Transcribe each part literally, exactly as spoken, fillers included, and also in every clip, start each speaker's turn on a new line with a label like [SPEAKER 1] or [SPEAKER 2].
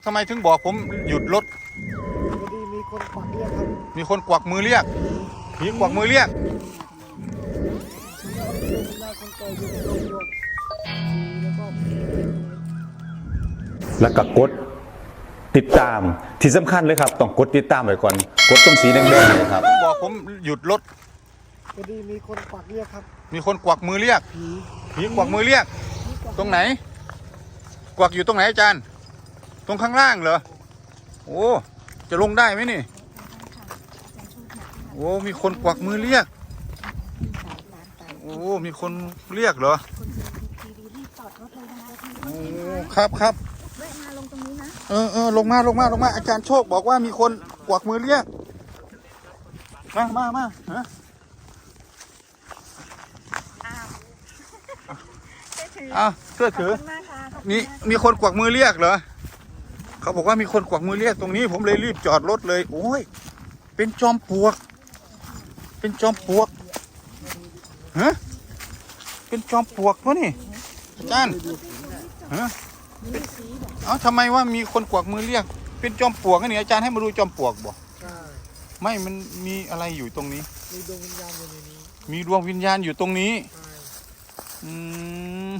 [SPEAKER 1] ทำไมถึงบอกผมหยุดรถ
[SPEAKER 2] พอดีมีคนกวักเรียกครับ
[SPEAKER 1] มีคนกวักมือเรียกผีกวักมือเรียก
[SPEAKER 3] แล้วก็กดติดตามที่สำคัญเลยครับต้องกดติดตามไว้ก่อนกดตรงสีแดงๆเลยครับ
[SPEAKER 1] บอกผมหยุดรถ
[SPEAKER 2] พอดีมีคนกวักเรียกครับ
[SPEAKER 1] มีคนกวักมือเรียก
[SPEAKER 2] ผี
[SPEAKER 1] ผีกวักมือเรียก ตรงไหน กวักอยู่ตรงไหนอาจารย์ ตรงข้างล่างเหรอโอ้จะลงได้ไหมนี่โอ้มีคนกวักมือเรียกโอ้มีคนเรียกเหรอโอ้ครับครับแวะมาลงตรงนี้นะเออเออลงมาลงมาลงมาอาจารย์โชคบอกว่ามีคนกวักมือเรียกมามามาฮะอ้าวเสื้อถือมีมีคนกวักมือเรียกเหรอเขาบอกว่ามีคนกวักมือเรียกตรงนี้ผมเลยรีบจอดรถเลยโอ้ยเป็นจอมปลวกเป็นจอมปลวกฮะเป็นจอมปลวกวะนี่อาจารย์ฮะเอ้าทำไมว่ามีคนกวักมือเรียกเป็นจอมปลวกนี่อาจารย์ให้มาดูจอมปลวกบ่
[SPEAKER 2] ใช่
[SPEAKER 1] ไม่มันมีอะไรอยู่ตรงนี้
[SPEAKER 2] มีดวงวิญญาณอยู่ในนี้
[SPEAKER 1] มีดวงวิญญาณอยู่ตรงนี้
[SPEAKER 2] ใช่
[SPEAKER 1] อืม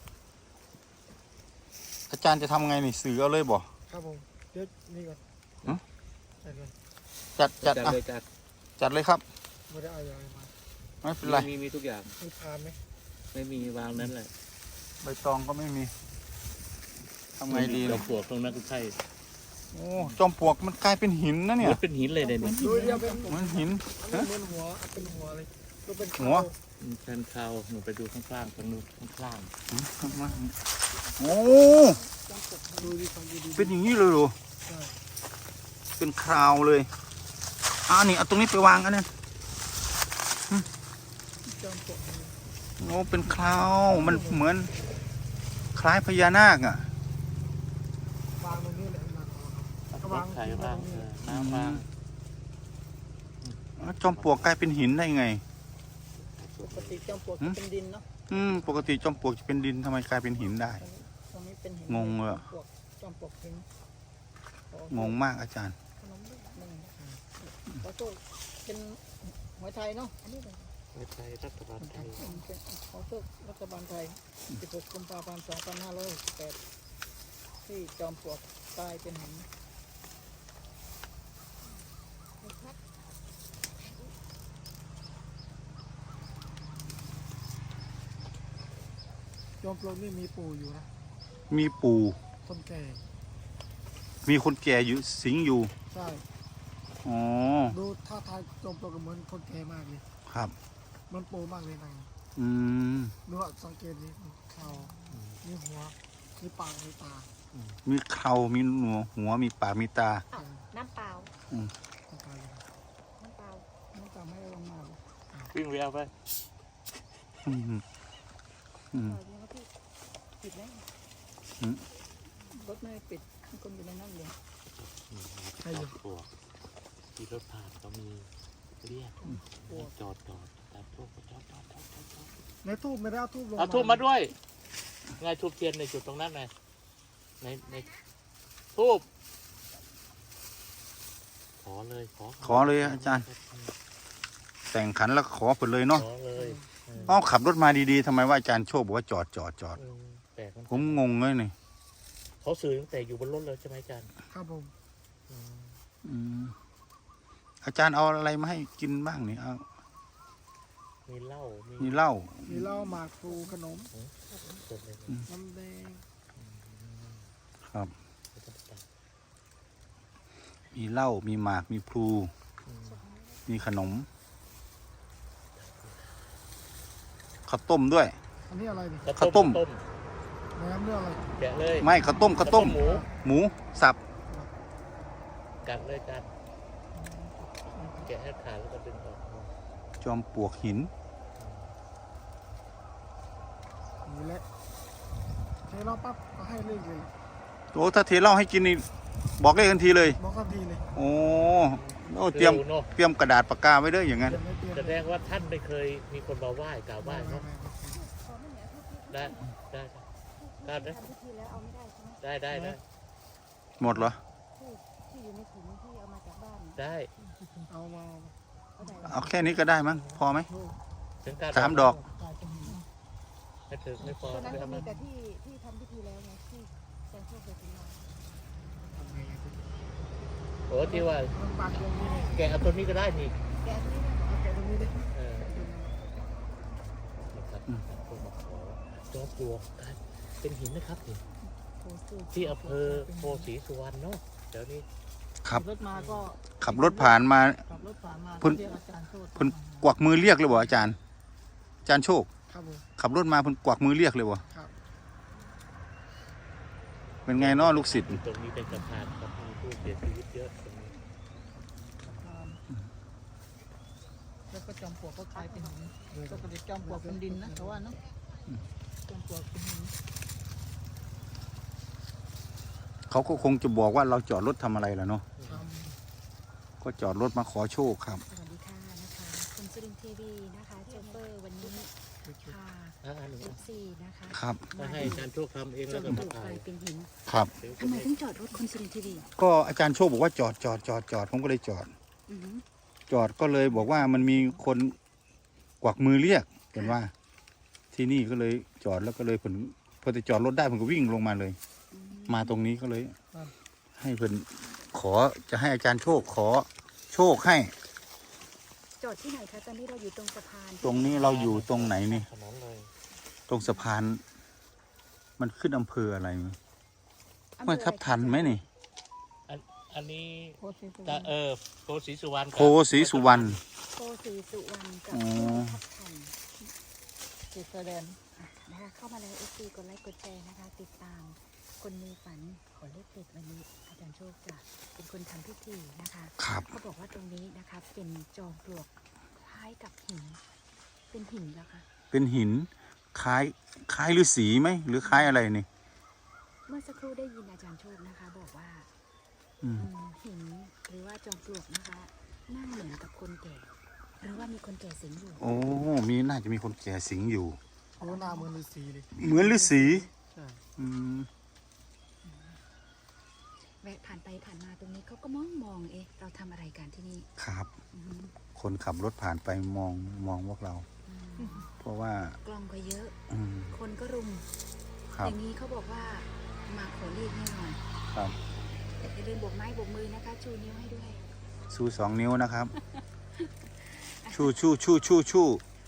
[SPEAKER 1] อาจารย์จะทำไงนี่สื่อเอาเลยบ่
[SPEAKER 2] ครับผมเดี๋ยวนี่ก่อน
[SPEAKER 1] ฮะ
[SPEAKER 2] ใส่เลย
[SPEAKER 1] จัดจัดอ่ะ
[SPEAKER 4] เลยจัด
[SPEAKER 1] จัดเลยครับ
[SPEAKER 2] ไม่ได้เอาอะไรมา
[SPEAKER 1] ไม่เป็นไร
[SPEAKER 4] มีมีทุกอย่าง
[SPEAKER 2] มีพานไหม
[SPEAKER 4] ไม่มีวางนั้นแหละ
[SPEAKER 1] ใบตองก็ไม่มีทำไงดี
[SPEAKER 4] เรา
[SPEAKER 1] เนี่ย
[SPEAKER 4] ปวกตรงนั้นก็ใช่
[SPEAKER 1] โอ้จอมปลวกมันกลายเป็นหินนะเนี่ย
[SPEAKER 4] มันเป็นหินเลยเนี่ย
[SPEAKER 2] ดูเดียวเป็น
[SPEAKER 1] เหมือนหิน
[SPEAKER 2] อันนี้เหมือนหัวเป็นหัวเลยดูเป็น
[SPEAKER 1] หัว
[SPEAKER 4] มันแทนคาวหนูไปดูข้างล่างตรงนู้นข้างล่าง
[SPEAKER 1] โอ้
[SPEAKER 2] ดูดีฟังดี
[SPEAKER 1] เป็นอย่างนี้เลยเหรอ
[SPEAKER 2] ใช่
[SPEAKER 1] เป็นคราวเลยอ่านี่เอาตรงนี้ไปวางอันนั้น
[SPEAKER 2] จอมปลวก
[SPEAKER 1] โอ้เป็นคราวมันเหมือนคล้ายพญานาคอ่ะ
[SPEAKER 2] วางตรงนี้แหละมันก็วาง
[SPEAKER 4] ไข่บ้างเออน้ำบ้าง
[SPEAKER 1] แล้วจอมปลวกกลายเป็นหินได้ไง
[SPEAKER 5] ปกติจอมปลวกจะเป็นดินเนาะ
[SPEAKER 1] อืมปกติจอมปลวกจะเป็นดินทำไมกลายเป็นหินได้
[SPEAKER 5] ตรงนี้เป็นหิน
[SPEAKER 1] งงเลยอะ
[SPEAKER 5] ปลวกจอมปลวกหิน
[SPEAKER 1] งงมากอาจารย์
[SPEAKER 5] ขนมด้วยนี่ขอโทษเป็นหวยไทยเนาะอันนี้เป็น
[SPEAKER 4] ไม่ใช่รัฐบาลไทย
[SPEAKER 5] เป็นขอโทษรัฐบาลไทยสิบหกกุมภาพันธ์สองพันห้าร้อยหกสิบแปดที่จอมปลวกกลายเป็นหิน
[SPEAKER 2] จอมปลวกนี่มีปู่อยู่นะ
[SPEAKER 1] มีปู่
[SPEAKER 2] คนแก่
[SPEAKER 1] มีคนแก่อยู่สิงอยู่
[SPEAKER 2] ใช่
[SPEAKER 1] อ๋อ
[SPEAKER 2] ดูท่าทางจอมปลวกก็เหมือนคนแก่มากเลย
[SPEAKER 1] ครับ
[SPEAKER 2] เหมันปู่มากเลยนะ
[SPEAKER 1] อืม
[SPEAKER 2] ดูว่าสังเกตดิเขามีหัวมีปากมีตา
[SPEAKER 1] มีเครามีหนวดหัวมีปากมีตา
[SPEAKER 6] น้ำเปล่า
[SPEAKER 2] ต้องการเลย
[SPEAKER 6] น้ำเปล่า
[SPEAKER 2] น้ำตาไม่ลงมาเลย
[SPEAKER 4] วิ่งไปเอาไป
[SPEAKER 1] อืมอืม
[SPEAKER 5] ปล่อยดีครับพี่ปิดแล้ว
[SPEAKER 1] อืม
[SPEAKER 5] รถไม่ได้ปิดมีคนอยู่ในนั้นเลย
[SPEAKER 2] ใช่อยู่
[SPEAKER 4] ปวกที่รถผ่านก็มีเรียกจอดจอดตามพวกจอดจอดจอดจอดจอด
[SPEAKER 2] ในทูบไม่ได้เอาทูบลง
[SPEAKER 4] เอาทูบมาด้วยไงทูบเทียนในจุดตรงนั้นไงในในทูบขอเลยขอ
[SPEAKER 1] ขอเลยอาจารย์ แต่งขันแล้วขอผลเลยเนาะ
[SPEAKER 4] ขอเลยเออ
[SPEAKER 1] เอ้าขับรถมาดีๆทำไมว่าอาจารย์โชคบอกว่าจอดจอดจอด
[SPEAKER 4] เออแปลกมัน
[SPEAKER 1] ผมงงเลยนี่
[SPEAKER 4] เขาสื่อตั้งแต่อยู่บนรถเลยใช่ไหมอาจารย์
[SPEAKER 2] ครับผม
[SPEAKER 4] อืม
[SPEAKER 1] อืมอาจารย์เอาอะไรมาให้กินบ้างนี่เอา
[SPEAKER 4] มีเหล้ามี
[SPEAKER 1] มีเหล้า
[SPEAKER 2] มีเหล้าหมากพลูขนม
[SPEAKER 4] สดเลย
[SPEAKER 2] น้ำแดง
[SPEAKER 1] ครับ มีเหล้ามีหมากมีพลูมีขนมข้าวต้มด้วย
[SPEAKER 2] อันนี้อะไรดิ
[SPEAKER 1] ข้าวต้ม
[SPEAKER 4] ต้ม
[SPEAKER 2] น้ำเรื่องอะไร
[SPEAKER 4] แกะเลย
[SPEAKER 1] ไม่ข้าวต้มข้าวต้ม
[SPEAKER 4] หมู
[SPEAKER 1] หมูสับ
[SPEAKER 4] กัดเลยกันแกะให้ขาดแล้วก็ดึงออก
[SPEAKER 1] จอมปลวกหิน
[SPEAKER 2] นี่แหละใช้เราปั๊บก็ให้เลขเลย
[SPEAKER 1] โอ้ถ้าเทเหล้าให้กินนี่บอกเลขทันทีเลย
[SPEAKER 2] บอกกันทีเลย
[SPEAKER 1] โอ้โอ้เตรียม
[SPEAKER 4] เนาะ
[SPEAKER 1] เตรียมกระดาษปากกาไว้เด้ออย่างนั้น
[SPEAKER 2] เดี๋ยวไม่เปลี่ยน
[SPEAKER 4] แสดงว่าท่านไม่เคยมีคนมาไหว้กราบไหว้
[SPEAKER 2] ไม่
[SPEAKER 4] เนาะ
[SPEAKER 2] ไม่ไม่
[SPEAKER 6] ขอไม่เหนือทุกที่
[SPEAKER 4] ได้ได้ได้ได้
[SPEAKER 6] ทำพิธีแล้วเอาไม่ได้ใช่ไหม
[SPEAKER 4] ได้ได้ได้
[SPEAKER 1] หมดเหรอ
[SPEAKER 6] ที่ที่อยู่ในถุงที่เอามาจากบ้าน
[SPEAKER 4] ได้
[SPEAKER 2] เอามา
[SPEAKER 6] เอาไหน
[SPEAKER 1] เอาแค่นี้ก็ได้มั้งพอไหม
[SPEAKER 4] ถึงการ
[SPEAKER 1] สามดอก
[SPEAKER 2] ตายเป็นหิน
[SPEAKER 4] ไม่ถึงไม่พอ
[SPEAKER 6] ตัวนั้น
[SPEAKER 4] ไม่
[SPEAKER 6] ก็
[SPEAKER 4] เอา
[SPEAKER 6] มี
[SPEAKER 4] มา
[SPEAKER 6] แต่ที่ที่ทำพิธีแล้วไงที่แจงโชคเคยถึงมา
[SPEAKER 2] ทำไงอะ
[SPEAKER 4] โอ้ที่ว่า
[SPEAKER 2] มันปักตรงนี้เลย
[SPEAKER 4] แกะเอาตัวนี้ก็ได้นี่
[SPEAKER 6] แกะนี่นะ
[SPEAKER 2] เอาแกะตรงนี้ดิ
[SPEAKER 4] เออนะครับพวกมาขอจอมปลวกครับเป็นหินนะครับนี่
[SPEAKER 6] โอ้สูตร
[SPEAKER 4] ที่อำเภอโพศรีสุวรรณเนาะเดี๋ยวนี้
[SPEAKER 1] ครับ
[SPEAKER 2] รถมาก็
[SPEAKER 1] ขับรถผ่านมา
[SPEAKER 2] ขับรถผ่านมา
[SPEAKER 1] เพิ่น
[SPEAKER 2] เรียกอาจารย์โชติ
[SPEAKER 1] เพิ่นกวักมือเรียกเลยบ่อาจารย์ อาจารย์โชค
[SPEAKER 2] ครับผม
[SPEAKER 1] ขับรถมาเพิ่นกวักมือเรียกเลยบ่
[SPEAKER 2] ครับ
[SPEAKER 1] เป็นไงเนาะลูกศิษย์
[SPEAKER 4] ตรงนี้เป็นสะพานครับมีผู้เสียชีวิตเยอะตรงนี้
[SPEAKER 5] แล้วก็จอมปลวกก็กลายเป็นหินปกติจอมปลวกเป็นดินนะแต่ว่าเนาะจอมปลวกเป็นหิน
[SPEAKER 1] เขาก็คงจะบอกว่าเราจอดรถทำอะไรล่ะเนาะ
[SPEAKER 2] ท
[SPEAKER 1] ก็จอดรถมาขอโชคครับ
[SPEAKER 6] สวัสดีค่ะนะคะคุณสุรินทร์ทีวีนะคะโชเฟอร์วันนี้ค่ะ
[SPEAKER 4] อ่าอันหนึ่ง
[SPEAKER 6] เอฟซีนะคะ
[SPEAKER 1] ครับ
[SPEAKER 4] ถ้าให้อาจารย์โชคทำเอง
[SPEAKER 6] จ
[SPEAKER 4] แล้ว
[SPEAKER 6] น
[SPEAKER 4] ก็
[SPEAKER 6] ป
[SPEAKER 4] มา
[SPEAKER 6] ลูก
[SPEAKER 4] ถ่าก ย
[SPEAKER 6] ลายเป็นหิน
[SPEAKER 1] ครับ
[SPEAKER 4] เดี๋ยว
[SPEAKER 6] ทำไมถึงจอดรถคุณสุรินทร์ทีวี
[SPEAKER 1] ก็อาจารย์โชคบอกว่าจอดจอดจอดจอดผมก็เลยจอด
[SPEAKER 6] อือหือ
[SPEAKER 1] จอดก็เลยบอกว่ามันมีคนกวักมือเรียกเห็นว่า ที่นี่ก็เลยจอดแล้วก็เลยผมพอจะจอดรถได้ผมก็วิ่งลงมาเลย
[SPEAKER 6] อืม
[SPEAKER 1] มาตรงนี้ก็เลย ให้เพิ่นขอจะให้อาจารย์โชคขอโชคให้
[SPEAKER 6] จอดที่ไหนคะตอนนี้เราอยู่ตรงสะพาน
[SPEAKER 1] ตรงนี้เราอยู่ตรงไหนนี่
[SPEAKER 4] ถนนเลย
[SPEAKER 1] ตรงสะพาน มันขึ้นอำเภออะไร
[SPEAKER 6] อำเภอ
[SPEAKER 1] เมื่อทับทันไหมนี่
[SPEAKER 4] อันอันนี้
[SPEAKER 5] โพสิโพ
[SPEAKER 4] จะเออโพศรีสุวรรณ
[SPEAKER 1] โพสีสุวรรณ
[SPEAKER 6] โพสีสุวรรณกับ
[SPEAKER 1] อ๋อ
[SPEAKER 6] ทับทัน
[SPEAKER 5] เขตชายแดน
[SPEAKER 6] อ่ะนะคะเข้ามาแล้วเอฟซีกดไลค์กดแชร์นะคะ ติดตามคนมีฝันขอเลขเด็ดวันนี้ อาจารย์โชคจะเป็นคนทำพิธีนะคะ
[SPEAKER 1] ครับ
[SPEAKER 6] เขาบอกว่าตรงนี้นะคะเป็นจอมปลวกคล้ายกับหิน เป็นหินแล้วคะ
[SPEAKER 1] เป็นหินคล้ายคล้ายฤาษีไหมหรือคล้ายอะไรนี่
[SPEAKER 6] เมื่อสักครู่ได้ยินอาจารย์โชคนะคะ บอกว่า
[SPEAKER 1] อืม
[SPEAKER 6] อืมหินหรือว่าจอมปลวกนะคะนั่งเหมือนกับคนแก่ หรือว่ามีคนแก่สิงอยู่
[SPEAKER 1] โอ้มีน่าจะมีคนแก่สิงอยู่
[SPEAKER 2] โอ้หน้าเหมือนฤาษีเลย
[SPEAKER 1] เหมือนฤาษี
[SPEAKER 2] ใช่
[SPEAKER 1] อืม
[SPEAKER 6] แวะผ่านไปผ่านมาตรงนี้เขาก็มองมองเอ๊ะเราทำอะไรกันที่นี่
[SPEAKER 1] ครับ
[SPEAKER 6] อือหือ
[SPEAKER 1] คนขับรถผ่านไปมองมองพวกเรา
[SPEAKER 6] อืม
[SPEAKER 1] เพราะว่า
[SPEAKER 6] กล้องก็เยอะ
[SPEAKER 1] อืม
[SPEAKER 6] คนก็รุม
[SPEAKER 1] ครั
[SPEAKER 6] อบ ย่างนี้เขาบอกว่ามาขอเลขแน่นอน
[SPEAKER 1] ครับ
[SPEAKER 6] อย่าลืมโบกไม้โบกมือนะคะ ชูนิ้วให้ด้วย
[SPEAKER 1] ชูสองนิ้วนะครับ ชูชูชูชูชู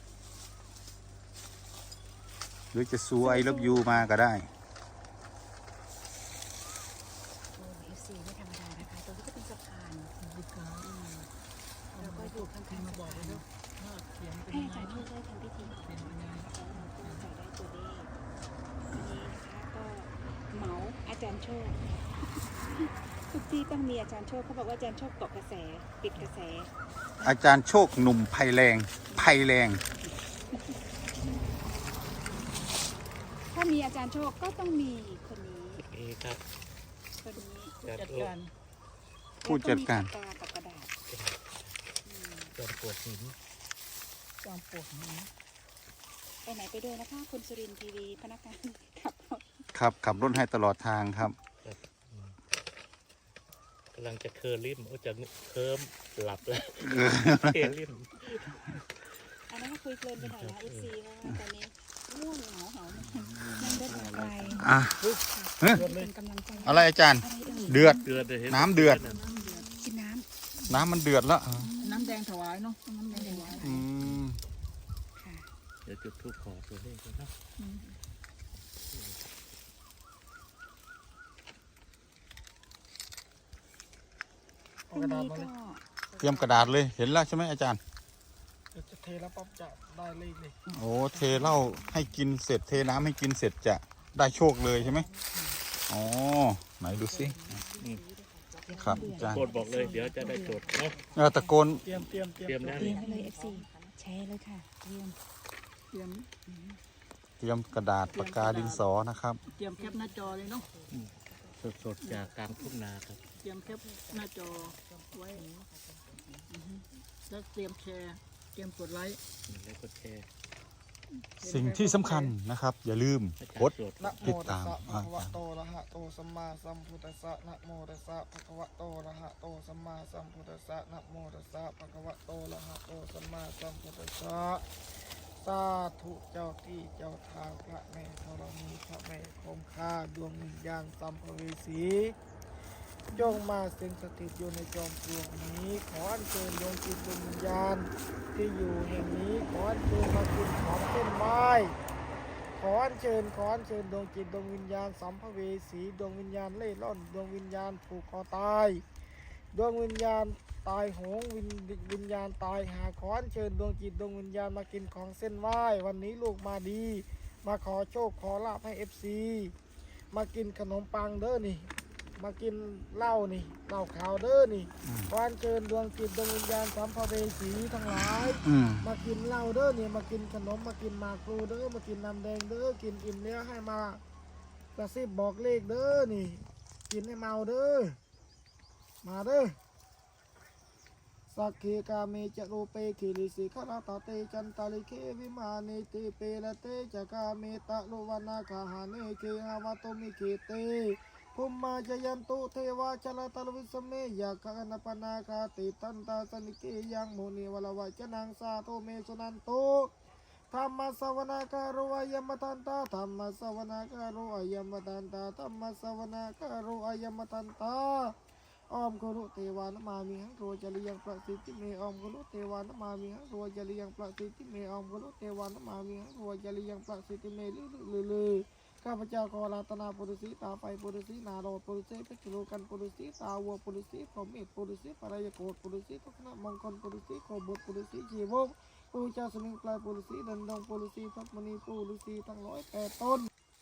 [SPEAKER 1] หรือจะซูไอเลิฟยูมาก็ได้
[SPEAKER 6] โอ้เอฟซีไม่ธรรมดานะคะตรงนี้ก็เป็นสะพานอืมแล้วก็อยู่ข้างๆสะพาน
[SPEAKER 5] ถ้าเขียนเป็น
[SPEAKER 6] ให้
[SPEAKER 5] ยัง
[SPEAKER 6] อา
[SPEAKER 5] ไง
[SPEAKER 6] จารย์ช่วยได้ทำพิธี
[SPEAKER 5] เป็นยังไง
[SPEAKER 6] ใส่ได้ตัวเลขวันนี้นะคะก็เหมาอาจารย์โชค ทุกที่ต้องมีอาจารย์โชคเขาบอกว่าอาจารย์โชคเกาะกระแสปิดกระแส
[SPEAKER 1] อาจารย์โชคหนุ่มไพแรงไพแรง
[SPEAKER 6] ถ้ามีอาจารย์โชคก็ต้องมีคนนี้
[SPEAKER 4] นี่ครับ
[SPEAKER 6] คนนี้
[SPEAKER 5] จัดการ
[SPEAKER 1] ผู้จัดการ
[SPEAKER 6] แล้วมีปากกากับกระดาษอืม
[SPEAKER 4] จอมปลวกหิน
[SPEAKER 5] จอมปลวกหิน
[SPEAKER 6] ไปไหนไปด้วยนะคะคุณสุรินทร์ทีวีพนักงานขับรถ
[SPEAKER 1] ครับขับรถให้ตลอดทางครับ
[SPEAKER 4] กำลังจะเคอร์ลิมโอ้จะเคิมหลับแล้วเคอร์ลิม
[SPEAKER 6] อันนั้นก็คุยเพลินไปหน่อยนะเอฟซีเพราะว่าตอนนี้ง่วงเหงาเหานั่งรถมาไกล
[SPEAKER 1] อ่ะ
[SPEAKER 6] เป็นกำลังใจ
[SPEAKER 1] อะไรอาจารย์
[SPEAKER 6] อะไรเอ่ย
[SPEAKER 1] เดือด
[SPEAKER 4] เดือดเลยห็
[SPEAKER 1] น้ำเดือด
[SPEAKER 6] กินน้
[SPEAKER 1] น้ำมันเดือดแล้ว
[SPEAKER 5] น้ำแดงถวายเนาะน้ำแดงถวาย
[SPEAKER 1] อืม
[SPEAKER 6] ำค่ะ
[SPEAKER 4] เดี๋ยวจุดทูปขอตัวเลขกันเนาะ
[SPEAKER 6] พรุ่งนี้ก็
[SPEAKER 1] เตรียมกระดาษเลยเห็นแล้วใช่ไหมอาจารย์
[SPEAKER 2] เดี๋ยวจะเทแล้วปั๊บจะได้เลขเลย
[SPEAKER 1] โอ้เทเหล้าให้กินเสร็จเทน้ำให้กินเสร็จจะได้โชคเลยใช่ไหมอ๋อไหนดูสิครับอาจารย์
[SPEAKER 4] โกดบอกเลยเดี๋ยวจะได้จดเนาะ
[SPEAKER 1] เออตะโกน
[SPEAKER 2] เตรียมเตรียมเตรียม
[SPEAKER 4] เตรียมแล้ว
[SPEAKER 6] เตรีย
[SPEAKER 4] นี่
[SPEAKER 6] มไปเลยเอฟซีแชร์เลยค่ะเตรียม
[SPEAKER 5] เตรียม
[SPEAKER 1] เตรียมกระดาษปากกาดินสอนะครับ
[SPEAKER 5] เตรียมแคปหน้าจอเลยเนาะ
[SPEAKER 4] สดๆจากกลางทุ่งนาครับ
[SPEAKER 5] เตรียมแคปหน้าจอไว้อือฮึแล้วเตรียมแชร์เตรียมกดไลค์
[SPEAKER 4] แล้วก็แชร์
[SPEAKER 1] สิ่งที่สำคัญนะครับ อย่าลืมกด
[SPEAKER 2] นะโม
[SPEAKER 1] ติด
[SPEAKER 2] ตั
[SPEAKER 1] ตา
[SPEAKER 2] ส
[SPEAKER 1] ม
[SPEAKER 2] สะภะ
[SPEAKER 1] อ่า
[SPEAKER 2] คะวะโตอะระหะโตสัมมาสัมพุทธัสสะนะโมตัสสะภะคะวะโตอะระหะโตสัมมาสัมพุทธัสสะนะโมตัสสะภะคะวะโตอะระหะโตสัมมาสัมพุทธัสสะสาธุเจ้าที่เจ้าทางพระแม่ธรณีพระแม่คงคาดวงวิญญาณสัมภเวสีจงมาสิงสถิตอยู่ในจอมปลวกนี้ขออัญเชิญดวงจิตดวงวิญญาณที่อยู่แห่งนี้ขออัญเชิญมากินของเส้นไหว้ขออัญเชิญขออัญเชิญดวงจิตดวงวิญญาณสัมภเวสีดวงวิญญาณเล่ร่อนดวงวิญญาณผูกคอตายดวงวิญญาณตายโหงวิญวิญญาณตายหาขออัญเชิญดวงจิตดวงวิญญาณมากินของเส้นไหว้วันนี้ลูกมาดี มาขอโชคขอลาภให้เอฟซีมากินขนมปังเด้อนี่มากินเหล้านี่เหล้าขาวเด้อนี่ขออัญเชิญดวงจิตดวงวิญญาณสัมภเวสีทั้งหลาย
[SPEAKER 1] อืม
[SPEAKER 2] มากินเหล้าเด้อเนี่ยมากินขนมมากินหมากพลูเด้อมากินน้ำแดงเด้อกินอิ่มแล้วให้มากระซิบบอกเลขเด้อนี่ กินให้เมาเด้อมาเด้อสักเคกาเมจะโรเปคิริสิขราตาเตจันตาลิเควิมาเนติเปละเตจะกาเมตะโลวานาคาหาเนเคหาวาโตมิเคเตภุมมาจยันตุเทวาชลตลวิสเมยาคะนปนาคาติตันตาสนิเกยังโมนีวลวะจนังสาโทเมสุนันโตธรรมสวนาการโรอายมตันตาธรรมสวนาการโรอายมตันตาธรรมสวนาการโรอายมตันตาออมกุลุเทวานมามิหังโรจริยังประสิทธิเมออมกุลุเทวานมามิหังโรจริยังประสิทธิเมออมกุลุเทวานมามิหังโรจริยังประสิทธิเมลือลือลือข้าพเจ้าขอลาตนาปุรุสีตาไฟปุรุสีนาโรปุรุสีเพชรโลกันปุรุสีตาวัวปุรุสีพรหมเมธปุรุสีปรายโกฏปุรุสีทุกนมงคลปุรุสีโคบุตรปุรุสีชีวกปูเจ้าสมิงปลายปุรุสีดันดงปุรุสีทัพมณีปุรุสีทั้งร้อยแปดต้น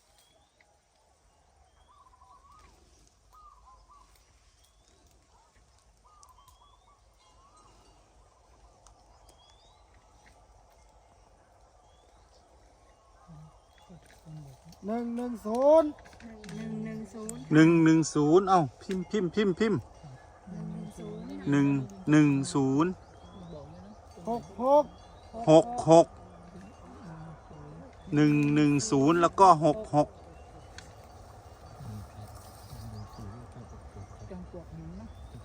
[SPEAKER 2] หนึ่งหนึ่งศูนย์
[SPEAKER 6] หนึ่งหนึ่งศูนย์
[SPEAKER 1] หนึ่งหนึ่งศูนย์เอ้าพิมพ์พิมพ์พิมพ์พิมพ์
[SPEAKER 6] หนึ่งหนึ่งศูนย์
[SPEAKER 1] หนึ่งหนึ่งศูนย์
[SPEAKER 2] หกหก
[SPEAKER 1] หกหกหนึ่งหนึ่งศูนย์แล้วก็หกหก
[SPEAKER 5] จอมปลวกหินนะ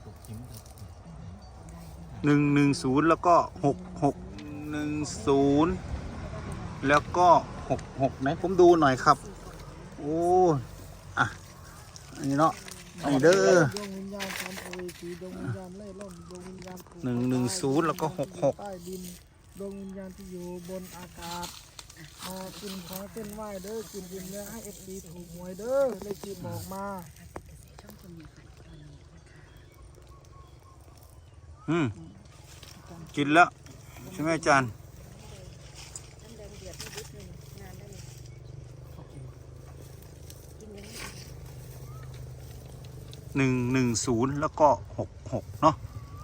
[SPEAKER 1] หนึ่งหนึ่งศูนย์แล้วก็หกหกหนึ่งศูนย์แล้วก็หกหกไหนผมดูหน่อยครับโอ้อะอันนี้เนาะอันนี้เด้อ
[SPEAKER 2] ดวงวิญญาณสัมภเวสีดวงวิญญาณเล่ร่อนดวงวิญญาณผูกคอ
[SPEAKER 1] หนึ่งหนึ่งศูนย์แล้วก็หกหก
[SPEAKER 2] ใต้ดินดวงวิญญาณที่อยู่บนอากาศมากินของเส้นไหว้เด้อกินดินแล้วให้เอฟดีถูกหวยเด้อเลขที่บอกมา
[SPEAKER 1] อืมกินแล้วใช่ไหมอาจารย์
[SPEAKER 6] น้ำแดงเดือดไม่นิดนึงงานได้เลยกินยังไง
[SPEAKER 1] หนึ่งหนึ่งศูนย์แล้วก็หกหกเนาะ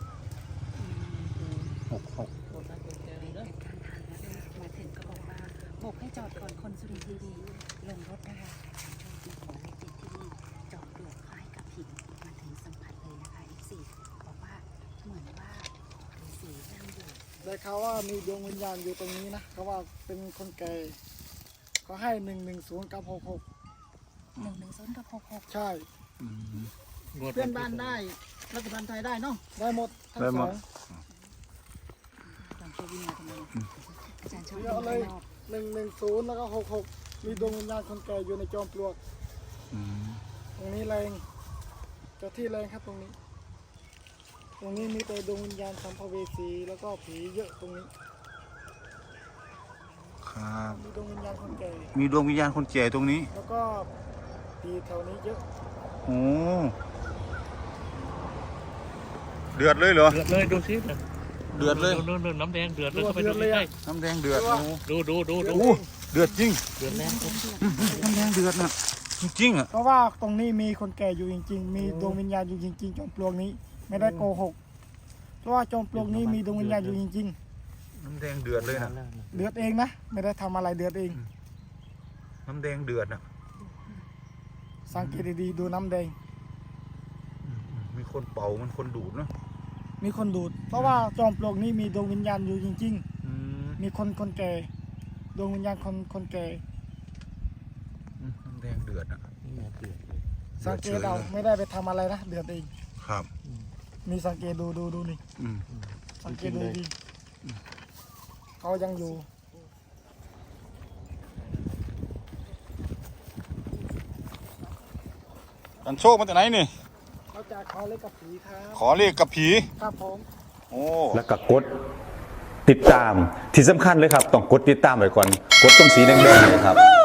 [SPEAKER 1] หกหก
[SPEAKER 5] กดไลค์กดแชร์เลยนะ
[SPEAKER 6] มาถึงก็บอกว่าโบกให้จอดก่อนคนสุรินทร์ทีวีลงรถนะคะโชคดีขอเลขเด็ดที่นี่จอดปลวกคล้ายกับหินมาถึงสัมผัสเลยนะคะอีกสี่บอกว่าเหมือนว่าฤาษีนั่งอยู่
[SPEAKER 2] ได้ข่าวว่ามีดวงวิญญาณอยู่ตรงนี้นะเขาว่าเป็นคนแก่เขาให้หนึ่งหนึ่งศูนย์กับหกหก
[SPEAKER 6] หนึ่งหนึ่งศูนย์กับหกหก
[SPEAKER 2] ใช่
[SPEAKER 1] อืม
[SPEAKER 5] เพื่อนบ้านได้รัฐบาลไทยได้เนาะ
[SPEAKER 2] ได้หมดทั้ง
[SPEAKER 1] ได้
[SPEAKER 2] ส
[SPEAKER 1] หม
[SPEAKER 2] อ
[SPEAKER 1] ด
[SPEAKER 2] ง
[SPEAKER 6] ลองโชว์วิ่งมาทำไมอาจารย์ชอบ
[SPEAKER 2] เย
[SPEAKER 6] วิ่
[SPEAKER 2] อะ
[SPEAKER 6] ง
[SPEAKER 2] เล
[SPEAKER 6] ข้าง
[SPEAKER 2] ย
[SPEAKER 6] นอก
[SPEAKER 2] หนึ่งหนึ่งศูนย์แล้วก็หกหกมีดวงวิญญาณคนแก่อยู่ในจอมปลวก
[SPEAKER 1] อืม
[SPEAKER 2] ตรงนี้แรงเจ้าที่แรงครับตรงนี้ ตรงนี้มีแต่ดวงวิญญาณสัมภเวสีแล้วก็ผีเยอะตรงนี้
[SPEAKER 1] ครับ
[SPEAKER 2] มีดวงวิญญาณคนแก่
[SPEAKER 1] มีดวงวิญญาณคนแก่ตรงนี้
[SPEAKER 2] แล้วก็ผีแถวนี้เยอะ
[SPEAKER 1] โอ้เดือดเลยเหรอ
[SPEAKER 4] เดือดเลยดูสิเนี่ย
[SPEAKER 1] เดือดเลย
[SPEAKER 4] ดูดูน้ำแดงเดือดเลยเข้าไปดูใกล้
[SPEAKER 1] น้ำแดงเดือดโอ้
[SPEAKER 4] ๆดูดูดูดู
[SPEAKER 1] โอ้เดือดจริง
[SPEAKER 4] เดือดแรง
[SPEAKER 1] อืมน้ำแดงเดือดนะจริงๆอ่ะ
[SPEAKER 2] เพราะว่าตรงนี้มีคนแก่อยู่จริง ๆ มีดวงวิญญาณอยู่จริงๆจอมปลวกนี้ไม่ได้โกหก เพราะว่าจอมปลวกนี้มีดวงวิญญาณอยู่จริง
[SPEAKER 1] น้ำแดงเดือดเลยนะ
[SPEAKER 2] ๆ เดือดเองนะ ไม่ได้ทำอะไรเดือดเอง
[SPEAKER 1] น้ำแดงเดือดนะ
[SPEAKER 2] สังเกตดีๆดูน้ำแดง
[SPEAKER 1] อืมอืมมีคนเป่ามันคนดูดเนาะ
[SPEAKER 2] มีคนดูด เพราะว่าจอมปลวกนี้มีดวงวิญญาณอยู่จริง
[SPEAKER 1] อืม
[SPEAKER 2] ๆ มีคนคนแก่ดวงวิญญาณคนคนแก่
[SPEAKER 1] อืมแดงเดือดอ่ะ
[SPEAKER 4] นี่ไงเดือดเลย
[SPEAKER 2] สังเกตเอาไม่ได้ไปทำอะไรนะเดือดเอง
[SPEAKER 1] ครับ
[SPEAKER 2] มีสังเกตดูดูดูนี่
[SPEAKER 1] อืม
[SPEAKER 2] สังเกตดูดีเขายังอยู่
[SPEAKER 1] กันโชคมาจากไหนนี่
[SPEAKER 2] เขาจะขอเลขกับผีครับ
[SPEAKER 1] ขอเลขกับผี
[SPEAKER 2] ครับผม
[SPEAKER 1] โอ้
[SPEAKER 3] แล้วก็กดติดตามที่สำคัญเลยครับ ต้องกดติดตามไว้ก่อน กดตรงสีแดงๆเลยครับ